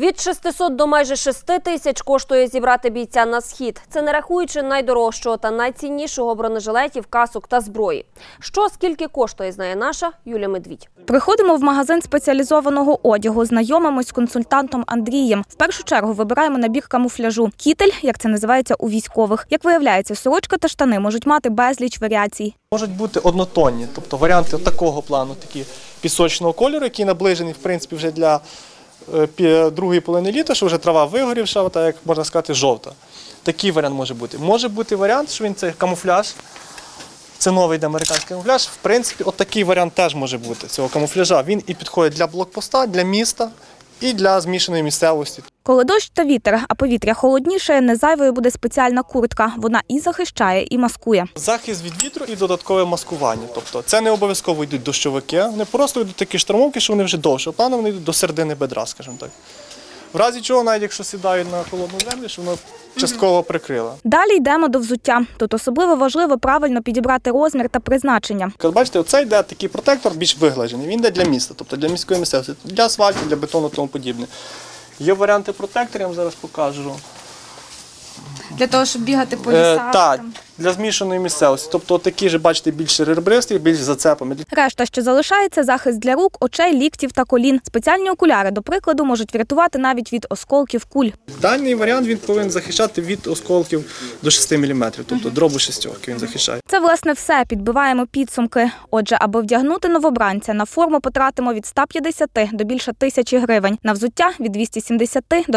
Від 600 до майже 6 тисяч коштує зібрати бійця на схід. Це не рахуючи найдорожчого та найціннішого бронежилетів, касок та зброї. Що, скільки коштує, знає наша Юлія Медвідь. Приходимо в магазин спеціалізованого одягу, знайомимось з консультантом Андрієм. В першу чергу вибираємо набір камуфляжу. Кітель, як це називається у військових. Як виявляється, сорочка та штани можуть мати безліч варіацій. Можуть бути однотонні, тобто варіанти такого плану, такі пісочного кольору, який наближений, в принципі, вже для другої половини літа, що вже трава вигорівша, так як можна сказати, жовта. Такий варіант може бути. Може бути варіант, що він це камуфляж, це новий американський камуфляж. В принципі, от такий варіант теж може бути цього камуфляжа. Він і підходить для блокпоста, для міста і для змішаної місцевості. Коли дощ та вітер, а повітря холодніше, не зайвою буде спеціальна куртка. Вона і захищає, і маскує. Захист від вітру і додаткове маскування. Тобто це не обов'язково йдуть дощовики, вони просто йдуть такі штормовки, що вони вже довше. Планом вони йдуть до середини бедра, скажімо так. В разі чого, навіть якщо сідають на холодну землю, що воно частково прикрило. Далі йдемо до взуття. Тут особливо важливо правильно підібрати розмір та призначення. Як бачите, оце йде такий протектор більш виглажений. Він йде для міста, тобто для міської місцевості, для асфальту, для бетону і тому подібне. Є варіанти протекторів, я вам зараз покажу. Для того, щоб бігати по лісах? Так, для змішаної місцевості. Тобто такі ж, бачите, більш ребристі, більш з зацепами. Решта, що залишається, захист для рук, очей, ліктів та колін. Спеціальні окуляри, до прикладу, можуть врятувати навіть від осколків куль. Даний варіант він повинен захищати від осколків до 6 мм, тобто дробу шістьорки він захищає. Це, власне, все. Підбиваємо підсумки. Отже, аби вдягнути новобранця, на форму потратимо від 150 до більше 1000 гривень. На взуття – від 270 до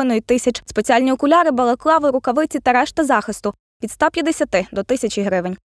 3500. Спеціальні окуляри, балаклави, рукавиці та решта захисту – від 150 до 1000 гривень.